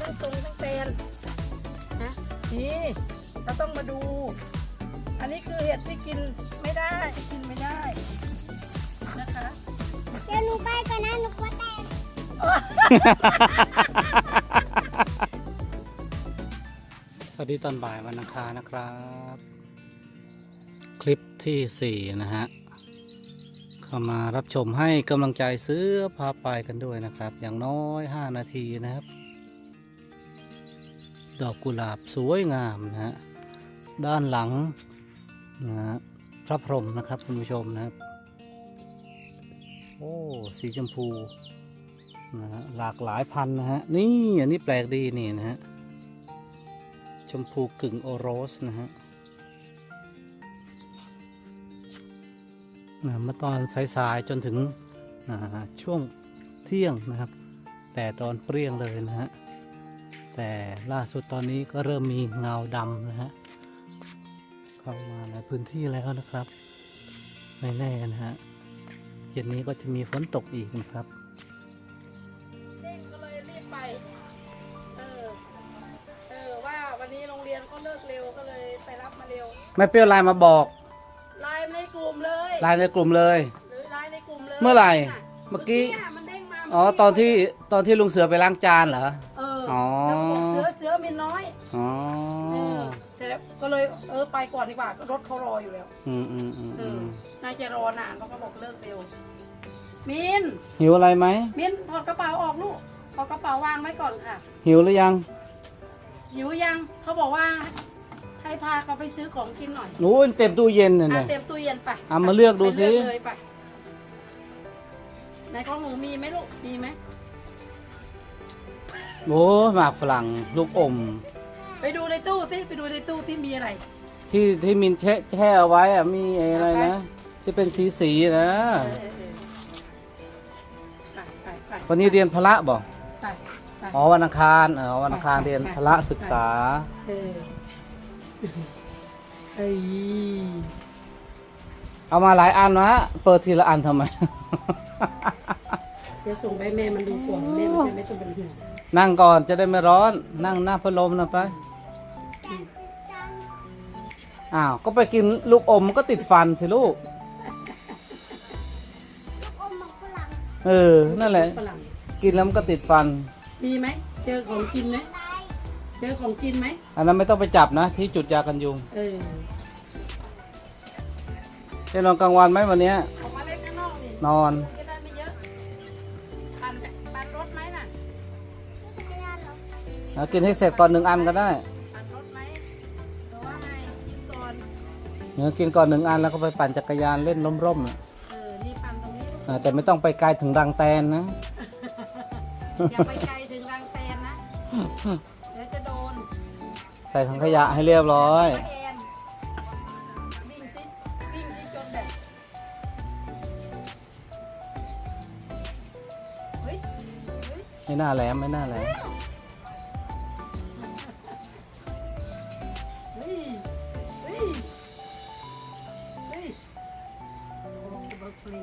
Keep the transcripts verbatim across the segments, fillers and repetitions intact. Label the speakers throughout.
Speaker 1: ทั้งตรงทั้งแตนนะนี่เราต้องมาดู อันนี้คือเห็ดที่กินไม่ได้กินไม่ได้นะคะ
Speaker 2: เดี๋ยวหนูไปก่อนนะหนูกลัวแตก
Speaker 3: สวัสดีตอนบ่ายวันอังคารนะครับ คลิปที่สี่นะฮะเข้ามารับชมให้กำลังใจเสือพาไปกันด้วยนะครับ อย่างน้อยห้านาทีนะครับ ดอกกุหลาบสวยงามนะฮะด้านหลังนะฮะพระพรหมนะครับคุณผู้ชมนะครับโอ้สีชมพูนะฮะหลากหลายพันธุ์นะฮะนี่อันนี้แปลกดีนี่นะฮะชมพูกึ่งโอโรสนะฮะเมื่อตอนสายๆจนถึงช่วงเที่ยงนะครับแต่ตอนเปรี้ยงเลยนะฮะแต่ล่าสุดตอนนี้ก็เริ่มมีเงาดำนะฮะเข้ามาในพื้นที่แล้วนะครับไม่แน่นะฮะเย็นนี้ก็จะมีฝนตกอีกนะครับ
Speaker 1: เด้งก็เลยรีบไปเออเออว่าวันนี้โรงเรียนก็เลิกเร็วก็เลยไปรับมาเร็ว
Speaker 3: ไม่เปรี้ยวไลน์มาบอก
Speaker 1: ไลน์ในกลุ่มเลย
Speaker 3: ไลน์ในกลุ่มเลย
Speaker 1: หรือไลน์ในกลุ่มเลย
Speaker 3: เมื่อไหร่เมื่อกี้
Speaker 1: มันเด้งมา
Speaker 3: อ๋อตอนที่ตอนที่ลุงเสือไปล้างจานเหรอ
Speaker 1: เอออ๋อเสือเสือมินน้อย
Speaker 3: อ๋อ
Speaker 1: แต่ก็เลยเออไปก่อนดีกว่ารถเขารออยู่แล้ว
Speaker 3: อืมอืมอืม
Speaker 1: เออนายจะรอนานเพราะเขาบอกเลิกเร็วมิน
Speaker 3: หิวอะไรไหม
Speaker 1: มินถอดกระเป๋าออกลูกถอดกระเป๋าวางไว้ก่อนค่ะ
Speaker 3: หิวหรือยัง
Speaker 1: หิวยังเขาบอกว่าให้พาเขาไปซื้อของกินหน่อย
Speaker 3: โอ้ยเต็มตู้เย็นน่ะเนี่ย
Speaker 1: เต็มตู้เย็นไป
Speaker 3: เอามาเลือกดูสิ
Speaker 1: ในของหนูมีไหมลูกมีไหม
Speaker 3: โอ้หมากฝรั่งลูกอม
Speaker 1: ไปดูในตู้สิไปดูในตู้ที่มีอะไร
Speaker 3: ที่ที่มินแช่แช่เอาไว้อะมีอะไรนะที่เป็นสีสีนะวันนี้เรียนพละบอกอ๋อวันอังคารอ๋อวันอังคารเรียนพละศึกษา
Speaker 1: เฮ้ย
Speaker 3: เอามาหลายอันนะเปิดทีละอันทำไม
Speaker 1: เดี๋ยวส่งไปแม่มันดูก่อนแม่มันจะไม่ต้องเป็นห่วง
Speaker 3: นั่งก่อนจะได้ไม่ร้อนนั่งหน้าพัดลมนะไปอ้าวก็ไปกินลูกอมมันก็ติดฟันสิลูกเออนั่นแหละกินแล้วมันก็ติดฟัน
Speaker 1: มีไหมเจอของกินไหมเจอของกินไหม
Speaker 3: อันนั้นไม่ต้องไปจับนะที่จุดยากันยุง
Speaker 1: เออ
Speaker 3: จะนอนกลางวันไหมวันนี้
Speaker 1: ออกมาเล่นข้างนอกนี่
Speaker 3: นอน
Speaker 1: จะได้ไม่เยอะปั่นปั่นรถไหมน่ะ
Speaker 3: เอากินให้เสร็จก่อนหนึ่งอันก็ได้
Speaker 1: ปั่นรถไหมหรือว่าไงกินก่อน
Speaker 3: เนื้อกินก่อนหนึ่งอันแล้วก็ไปปั่นจักรยานเล่นร่มๆ
Speaker 1: เออนี่ปั่นตรงนี้
Speaker 3: แต่ไม่ต้องไปไกลถึงรังแตนนะ
Speaker 1: อย่าไปไกลถึงรังแตนนะเดี๋ยวจะโดน
Speaker 3: ใส่ถังขยะให้เรียบร้อย
Speaker 1: วิ่งซิวิ่งซิจนแบบเฮ้ย
Speaker 3: ไม่น่าแหลมไม่น่าแหลม
Speaker 1: เฮ้ยเฮ้ยเฮ้ยโอ้เบิร์กฟรี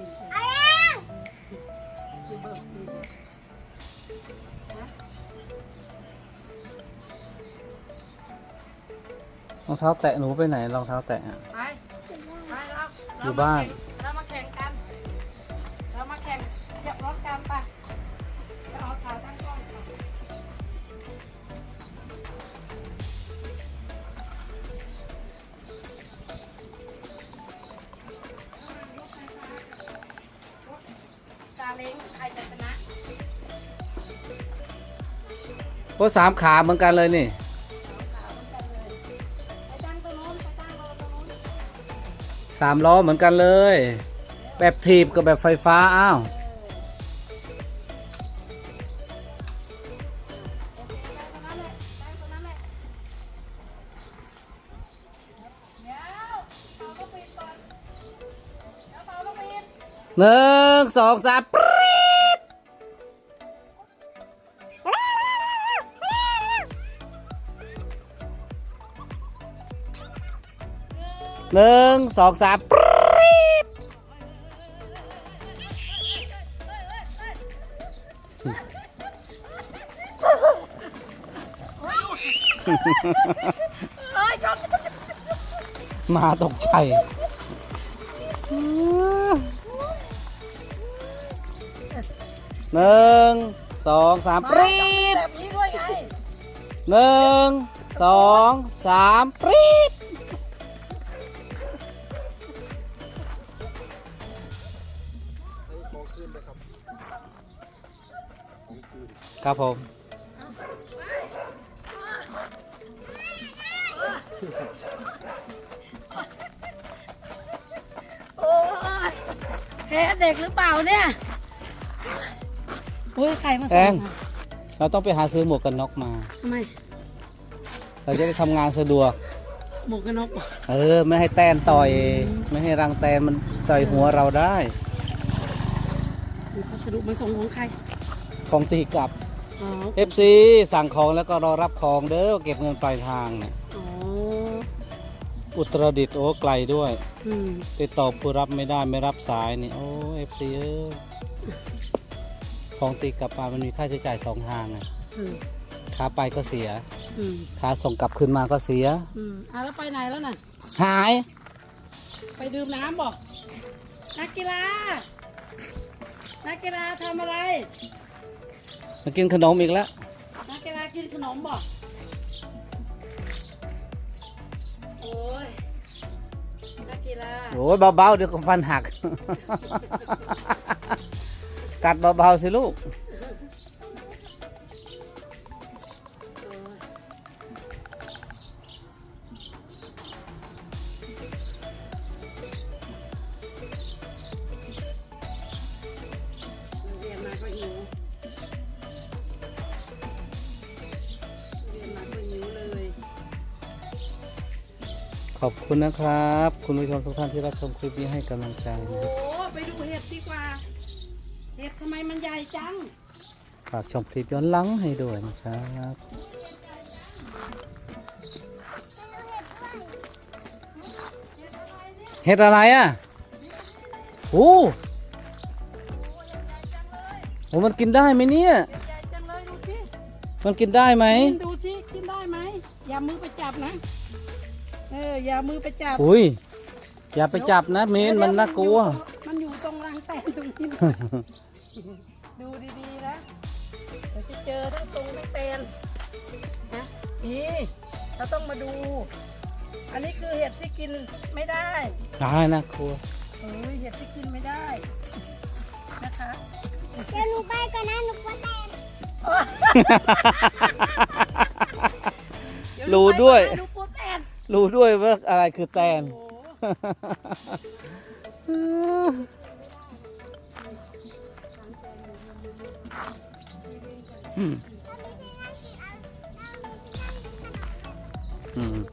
Speaker 1: เบิร์กฟรี
Speaker 3: รองเท้าแตะหนูไปไหนรองเท้าแตะ
Speaker 1: ไปไปเรา
Speaker 3: อยู่บ้าน
Speaker 1: เรามาแข่งกันเรามาแข่งจับรถกันไปจะเอาขาตั้งกล้องซาเล้งใครจะชนะ
Speaker 3: โอ้สามขาเหมือนกันเลยนี่สามล้อเหมือนกันเลยแบบถีบกับแบบไฟฟ้าอ้าวหนึ่งสองสามหนึ่งสองสาม
Speaker 1: เอ้ยยก
Speaker 3: หมาตกใจหนึ่งสองสามปรี๊ด
Speaker 1: แบบนี้ด้วยไง
Speaker 3: หนึ่งสองสามปรี๊ดครับผม
Speaker 1: โอ้ยแพ้เด็กหรือเปล่าเนี่ยโอ้ยใครมา
Speaker 3: แอ
Speaker 1: ส่ง
Speaker 3: ง
Speaker 1: อ่ะ
Speaker 3: เราต้องไปหาซื้อหมวกกันน็อกมา
Speaker 1: ทำไม
Speaker 3: เราจะได้ทำงานสะดวก
Speaker 1: หมวกกันน็อกเหรอ
Speaker 3: เออ ไม่ให้แตนต่อย ไม่ให้รังแตนมันต่อยหัวเราได้
Speaker 1: มีพัสดุมาส่งของใคร
Speaker 3: ของตีกลับ
Speaker 1: อ๋อ
Speaker 3: เอฟซีสั่งของแล้วก็รอรับของเด้อเก็บเงินปลายทางเนี่ย
Speaker 1: อ๋อ
Speaker 3: อุตรดิตถ์โอ้ไกลด้วย
Speaker 1: อืม
Speaker 3: ติดต่อผู้รับไม่ได้ไม่รับสายนี่โอ้เอฟซีเออของตีกลับมามันมีค่าใช้จ่ายสองทางอ่ะ
Speaker 1: อืม
Speaker 3: ขาไปก็เสีย
Speaker 1: อืม
Speaker 3: ขาส่งกลับคืนมาก็เสีย
Speaker 1: อืมอ่ะแล้วไปไหนแล้วน่ะ
Speaker 3: หาย
Speaker 1: ไปดื่มน้ำบอกนักกีฬา นักกีฬาทำอะไร
Speaker 3: มากินขนมอีกแล้ว
Speaker 1: นักกีฬากินขนมบอกโอ้ย นักกีฬา
Speaker 3: โอ้ยเบาๆเดี๋ยวก็ฟันหัก กัดเบาๆสิลูก
Speaker 1: เรียนมาก็หิวเรียนมาก็หิวเลย
Speaker 3: ขอบคุณนะครับ คุณผู้ชมทุกท่านที่รับชมคลิปนี้ให้กำลังใจ
Speaker 1: โอ้
Speaker 3: นะครับ
Speaker 1: ไปดูเห็ดดีกว่า เห็ดทำไมมันใหญ่จัง
Speaker 3: ฝากชมคลิปย้อนหลังให้ด้วยนะครับ เห็ดอะไรอ่ะโอ้โหมันกินได้ไหมเนี่ย
Speaker 1: ใหญ่จังเลยดูสิ
Speaker 3: มันกินได้ไหม
Speaker 1: ดูสิกินได้ไหมอย่ามือไปจับนะ เอออย่ามือไปจับ
Speaker 3: อุ้ย อย่าไปจับนะเมนมันน่ากลัว
Speaker 1: มันอยู่ตรงรังแตนตรงนี้นะดูดีๆนะเดี๋ยวจะเจอทั้งตรงทั้งแตนนะนี่เราต้องมาดู อันนี้คือเห็ดที่กินไม่ได้
Speaker 3: ได้นะครัว
Speaker 1: เฮ้ยเห็ดที่กินไม่ได้นะคะ
Speaker 2: เดี๋ยวหนูไปก่อนนะหนูกลัวแตน
Speaker 1: เดี๋ย
Speaker 3: รู้ด้วย
Speaker 1: ดูปูแตน
Speaker 3: รู้ด้วยว่าอะไรคือแตน
Speaker 1: โอ้
Speaker 3: อืมอืม